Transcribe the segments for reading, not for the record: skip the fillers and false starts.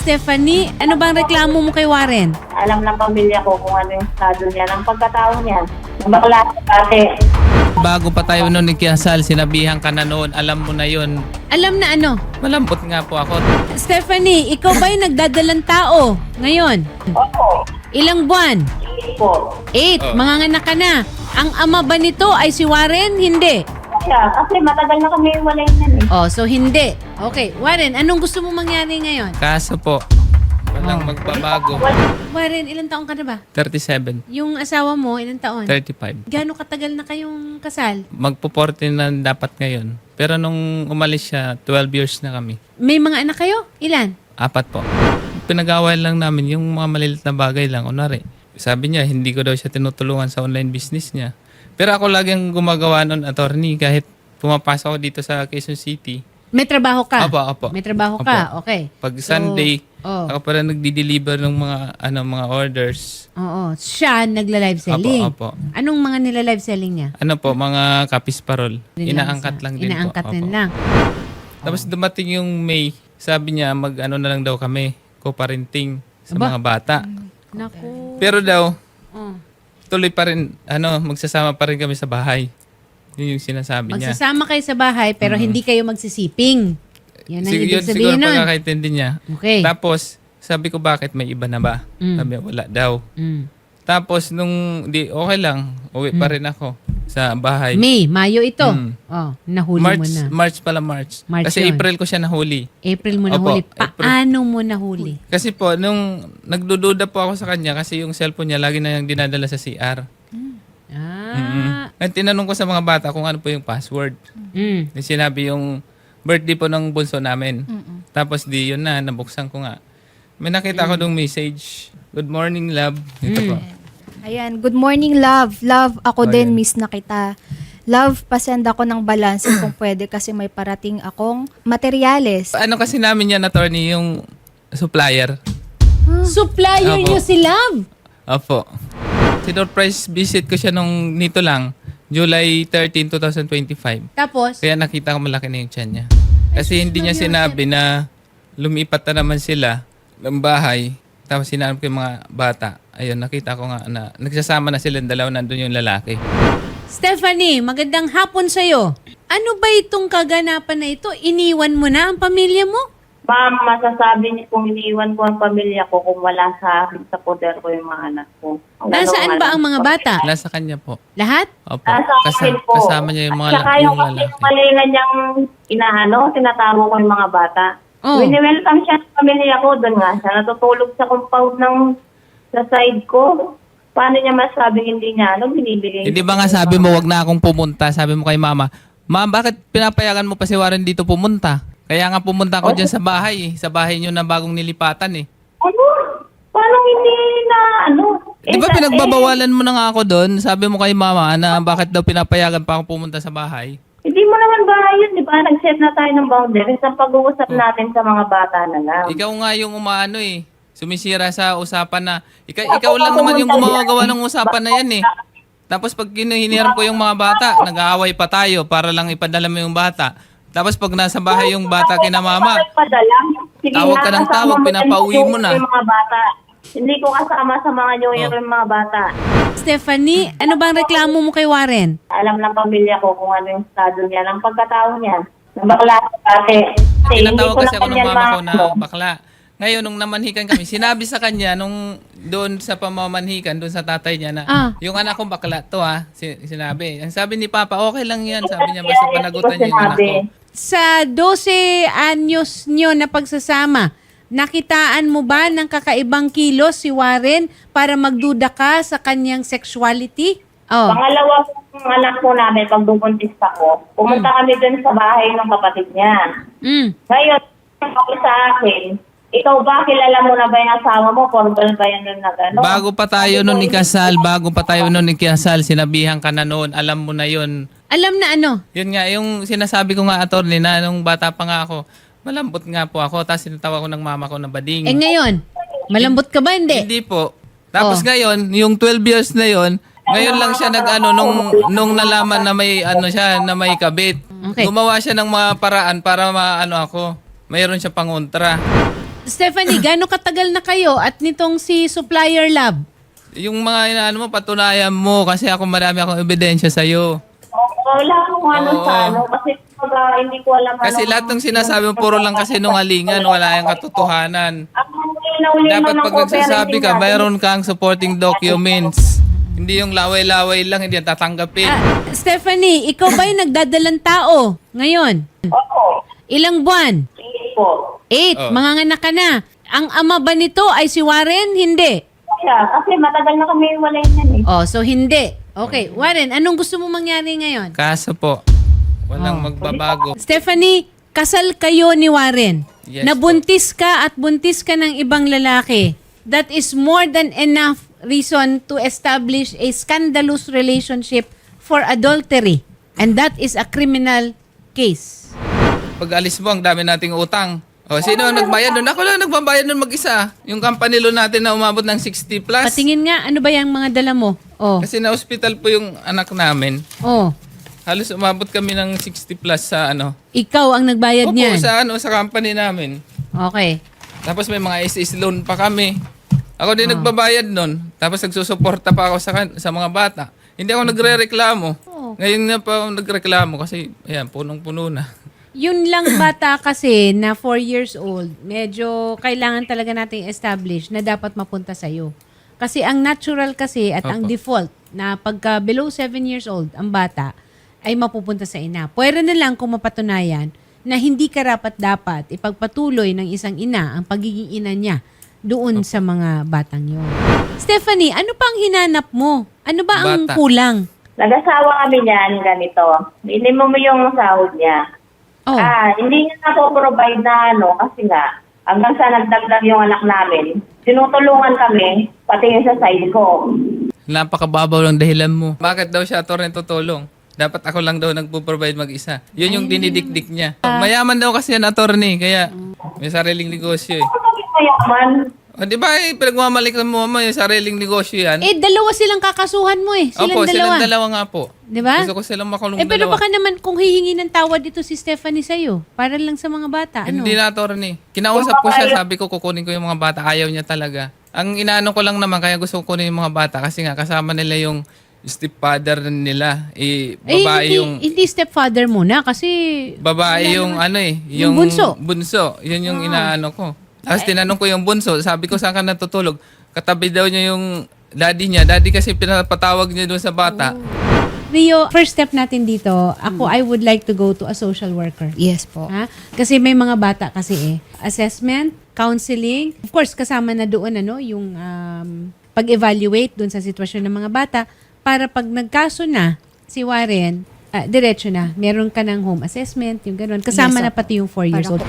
Stephanie, ano bang reklamo mo kay Warren? Alam ng pamilya ko kung ano yung estado niya, ng pagkatao niya. Bakla dati. Bago pa tayo noon ikinasal, sinabihan ka na noon, alam mo na yon. Alam na ano? Malambot nga po ako. Stephanie, ikaw ba'y nagdadalang tao ngayon? Opo. Ilang buwan? Po. 8. Oh. Manganganak ka na. Ang ama ba nito ay si Warren? Hindi. Kasi matagal na kami walay na eh. Oh, so hindi. Okay, Warren, anong gusto mo mangyari ngayon? Kaso po, walang magbabago. Warren, ilang taon ka na ba? 37, Yung asawa mo, ilang taon? 35. Gaano katagal na kayong kasal? Magpo-40 na dapat ngayon. Pero nung umalis siya, 12 years na kami. May mga anak kayo? Ilan? 4 po. Pinag-away lang namin yung mga malilit na bagay lang. Kunwari, sabi niya, hindi ko daw siya tinutulungan sa online business niya. Pero ako lagi ang gumagawa nun, attorney, kahit pumapasok ako dito sa Quezon City. May trabaho ka? Apo. May trabaho ka? Okay. Pag Sunday, oh. ako pa rin nagdi-deliver ng mga orders. Oo. Siya nagla-live selling. Apo. Anong mga nila-live selling niya? Ano po, mga kapis parol. Inaangkat lang din Inaangkat po. din Apo. lang. Tapos dumating yung May, sabi niya mag-ano na lang daw kami, co-parenting sa Aba? mga bata. Naku. Pero daw, Oh. tuloy pa rin, magsasama pa rin kami sa bahay. Yun yung sinasabi niya. Magsasama kayo sa bahay pero hindi kayo magsisiping. Yan ang ibig Siguro sabihin nun. pagkakaintindi niya. Okay. Tapos, sabi ko bakit may iba na ba? Sabi niya, wala daw. Mm. Tapos okay lang, uwi pa rin ako sa bahay. May, Mayo ito. Mm. Oh, nahuli mo na. March pala, March. March Kasi yun. April ko siya nahuli. April mo Opo, nahuli. April. Paano mo nahuli? Kasi po, nung nagdududa po ako sa kanya kasi yung cellphone niya lagi na yung dinadala sa CR. Ah. At tinanong ko sa mga bata kung ano po yung password. Mm. Sinabi yung birthday po ng bunso namin. Tapos di yun na, nabuksan ko nga. May nakita ko dong message. Good morning, love. Ito po. Ayan, good morning, love. Love, ako Oh, din, yan. miss na kita. Love, pasend ako ng balance kung pwede kasi may parating akong materyales. Ano kasi namin yan, attorney, yung supplier. Supplier Opo. niyo si Love. Opo. Sinurprise visit ko siya nung nito lang, July 13, 2025. Tapos, Kaya nakita ko malaki na yung tiyan niya. Kasi hindi niya sinabi na lumipat na naman sila ng bahay. Tapos sinanap ko yung mga bata. Ayun, nakita ko nga na nagsasama na sila, dalawa nandun yung lalaki. Stephanie, magandang hapon sa'yo. Ano ba itong kaganapan na ito? Iniwan mo na ang pamilya mo? Ma'am, masasabi niyo kung iniwan ko ang pamilya ko kung wala sa akin sa poder ko yung mga anak ko. Nasaan ba ang mga bata? Nasa kanya po. Lahat? Opo. Nasa akin po. Kasama niya yung mga At saka yung kasi lalaki. yung malinga niyang tinatago ko yung mga bata. Oh. Wini-welcome siya sa pamilya ko. Doon nga siya natutulog sa compound sa side ko. Paano niya masabing hindi niya binibigay? Hindi ba nga sabi mo, wag na akong pumunta? Sabi mo kay mama, Ma'am, bakit pinapayagan mo pa si Warren dito pumunta? Kaya nga pumunta ako dyan sa bahay. Sa bahay niyo na bagong nilipatan eh. Ano? Paano hindi na Di ba pinagbabawalan mo na nga ako doon? Sabi mo kay mama na bakit daw pinapayagan pa ako pumunta sa bahay? Hindi mo naman ba yun, di ba? Nag-set na tayo ng boundaries sa pag-uusap natin sa mga bata na lang. Ikaw nga yung umaano eh. Sumisira sa usapan na. Ikaw lang naman yung gumagawa ng usapan na yan eh. Tapos pag hinihiram ko yung mga bata, nag-aaway pa tayo para lang ipadala mo yung bata. Tapos pag nasa bahay yung bata kina mama, Sige, tawag ka ng kasama tawag, mo pinapauwi mo na. yung mga bata. Hindi ko kasama sa mga New Year yung mga bata. Stephanie, ano bang reklamo mo kay Warren? Alam ng pamilya ko kung ano yung estado niya, ng pagkatao niya. Bakla dati. tinatawag kasi ako ng mama ko na bakla. Ngayon, nung namanhikan kami, sinabi sa kanya, nung doon sa pamamanhikan, doon sa tatay niya na, yung anak kong bakla to sinabi. Ang sabi ni Papa, okay lang yan. Sabi niya, basta panagutan niya yung anak ko. Sa 12 anyos nyo na pagsasama, nakitaan mo ba ng kakaibang kilos si Warren para magduda ka sa kanyang sexuality? Oh. Pangalawa kong anak ko namin, pag bubuntis ako, pumunta kami dun sa bahay ng kapatid niya. Mm. Ngayon, sabi sa akin, ikaw ba, kilala mo na ba yung asawa mo? Formal ba yan nun na gano'n? Bago pa tayo noon ikasal, sinabihan ka na noon, alam mo na yun. Alam na ano? Yun nga, yung sinasabi ko nga, attorney, na nung bata pa nga ako, malambot nga po ako, tapos sinatawa ko ng mama ko na bading. Eh ngayon, malambot ka ba? Hindi. Hindi po. Tapos Oh. ngayon, yung 12 years na yon, ngayon lang siya nung nalaman na may siya, na may kabit. Okay. Gumawa siya ng mga paraan para ako. Mayroon siya pangontra. Stephanie, gaano katagal na kayo at nitong si Supplier Lab? Yung mga inaano mo, patunayan mo kasi ako marami akong ebidensya sa'yo. Wala akong ano Oo. sa ano, kasi hindi ko alam Kasi ano. lahat ng sinasabi mo, puro lang kasi nungalingan, wala yung katotohanan. Ang inauli Dapat naman ng pag nagsasabi ka, co-parenting mayroon kang supporting documents. Hindi yung laway-laway lang, hindi yan tatanggapin. Stephanie, ikaw ba yung nagdadalang tao ngayon? natin. Opo. Ilang buwan? Sige po. 8. Oh. Manganganak ka na. Ang ama ba nito ay si Warren? Hindi. Kasi matagal na kami wala yan eh. Oh, so hindi. Okay, Warren, anong gusto mo mangyari ngayon? Kaso po, walang magbabago. Stephanie, kasal kayo ni Warren. Yes Nabuntis ka at buntis ka ng ibang lalaki. That is more than enough reason to establish a scandalous relationship for adultery. And that is a criminal case. Pag alis mo, ang dami nating utang. O, sino ang nagbayad nun? Ako lang nagbabayad nun mag-isa. Yung company loan natin na umabot ng 60 plus. Patingin nga, ano ba yung mga dala mo? Oh. Kasi na-hospital po yung anak namin. Oh. Halos umabot kami ng 60 plus sa ano. Ikaw ang nagbayad Opo, niyan. sa company namin. Okay. Tapos may mga SS loan pa kami. Ako din nagbabayad nun. Tapos nagsusuporta pa ako sa mga bata. Hindi ako nagre-reklamo. Oh. Ngayon na pa ako nagreklamo kasi ayan, punong-puno na. Yun lang bata kasi na 4 years old, medyo kailangan talaga nating establish na dapat mapunta sa'yo. Kasi ang natural kasi at ang Opo. default na pagka below 7 years old ang bata ay mapupunta sa ina. Pwede na lang kung mapatunayan na hindi karapat-dapat ipagpatuloy ng isang ina ang pagiging ina niya doon sa mga batang yun. Stephanie, ano pa ang hinanap mo? Ano ba ang Bata. kulang? Nag-asawa kami niyan, ganito. Minimum mo yung sahod niya. Oh. Hindi niya na provide na ano, kasi nga, hanggang sa nagdagdag yung anak namin, tinutulungan kami, pati yung sa side ko. Napakababaw lang dahilan mo. Bakit daw siya attorney tutulong? Dapat ako lang daw nagpo-provide mag-isa. Yun yung dinidikdik niya. Mayaman daw kasi yan attorney, kaya may sariling negosyo eh. Bakit mayaman? O, di ba pinagmamalik mo yung sariling negosyo yan? Dalawa silang kakasuhan mo eh. Silang Opo, dalawa. silang dalawa nga po. Di ba? Gusto ko silang makulong Pero dalawa. baka naman kung hihingi ng tawad dito si Stephanie sa'yo, para lang sa mga bata, ano? Hindi na attorney. Kinausap ko siya, sabi ko kukunin ko yung mga bata. Ayaw niya talaga. Ang inaano ko lang naman, kaya gusto ko kunin yung mga bata kasi nga kasama nila yung stepfather nila. Babae yung... Hindi stepfather muna kasi... Babae yung ano eh. Yung bunso. Bunso. Yun yung inaano ko. Tapos tinanong ko yung bunso. Sabi ko saan ka natutulog? Katabi daw niya yung daddy niya. Daddy kasi pinapatawag niya doon sa bata. Rio, first step natin dito, I would like to go to a social worker. Yes po. Ha? Kasi may mga bata kasi eh. Assessment, counseling, of course kasama na doon yung pag-evaluate doon sa sitwasyon ng mga bata para pag nagkaso na si Warren, diretso na. Meron ka ng home assessment, yung gano'n. Kasama Yes, na pati yung 4 years Para old.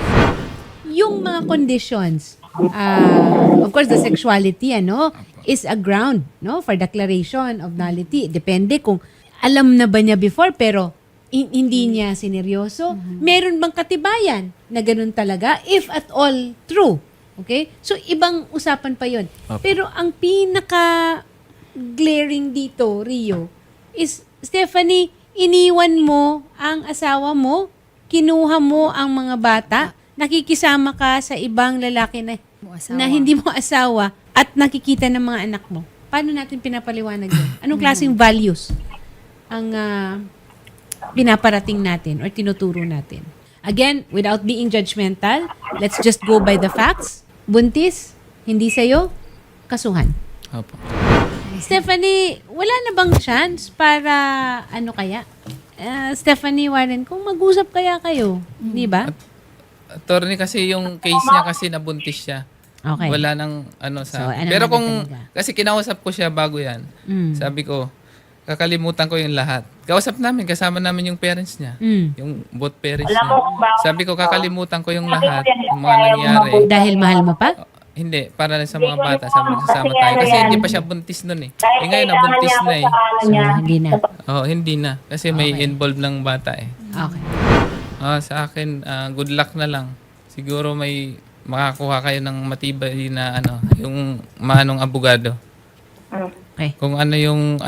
Yung mga conditions, of course, the sexuality, is a ground, for declaration of nullity. Depende kung alam na ba niya before, pero hindi niya sineryoso. Meron bang katibayan na ganun talaga? If at all true. Okay? So, ibang usapan pa yon. Pero ang pinaka-glaring dito, Rio, is, Stephanie, iniwan mo ang asawa mo, kinuha mo ang mga bata, nakikisama ka sa ibang lalaki na hindi mo asawa at nakikita ng mga anak mo. Paano natin pinapaliwanag yun? Anong klaseng values ang pinaparating natin or tinuturo natin? Again, without being judgmental, let's just go by the facts. Buntis, hindi sa'yo, kasuhan. Opo. Stephanie, wala na bang chance para kaya? Stephanie Warren, kung mag-usap kaya kayo, di ba? Attorney kasi yung case niya kasi nabuntis siya. Okay. Wala nang sa... So, Pero naman kung... talaga? Kasi kinausap ko siya bago yan. Mm. Sabi ko, kakalimutan ko yung lahat. Kausap namin, kasama namin yung parents niya. Mm. Yung both parents Alam niya. mo kung bakit? Sabi ko, kakalimutan ko yung Sabi ko lahat. yan, Yung mga ayaw nangyari. mabuti. Dahil mahal mo pa? Hindi, para sa mga bata. Sabi ko, kasama tayo. Kasi hindi pa siya buntis nun eh. Dahil Ngayon, kailangan nabuntis niya na eh. ako sa ano So, niya. hindi na. Oo, hindi na. Kasi may involved ng bata eh. Okay. Sa akin, good luck na lang. Siguro may makakuha kayo ng matibay na yung manong abogado. Okay. Kung yung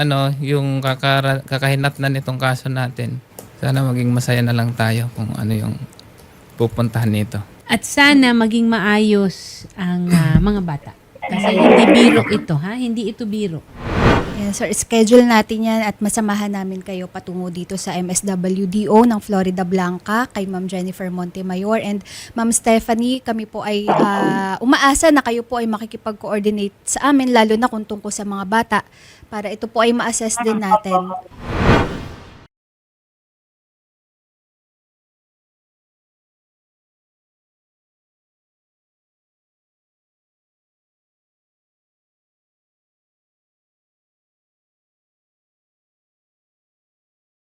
kakahinatnan nitong kaso natin. Sana maging masaya na lang tayo kung ano yung pupuntahan nito. At sana maging maayos ang mga bata. Kasi hindi biro ito, ha? Hindi ito biro. Yes, sir. Schedule natin yan at masamahan namin kayo patungo dito sa MSWDO ng Florida Blanca kay Ma'am Jennifer Montemayor and Ma'am Stephanie. Kami po ay umaasa na kayo po ay makikipag-coordinate sa amin lalo na kung tungkol sa mga bata para ito po ay ma-assess din natin.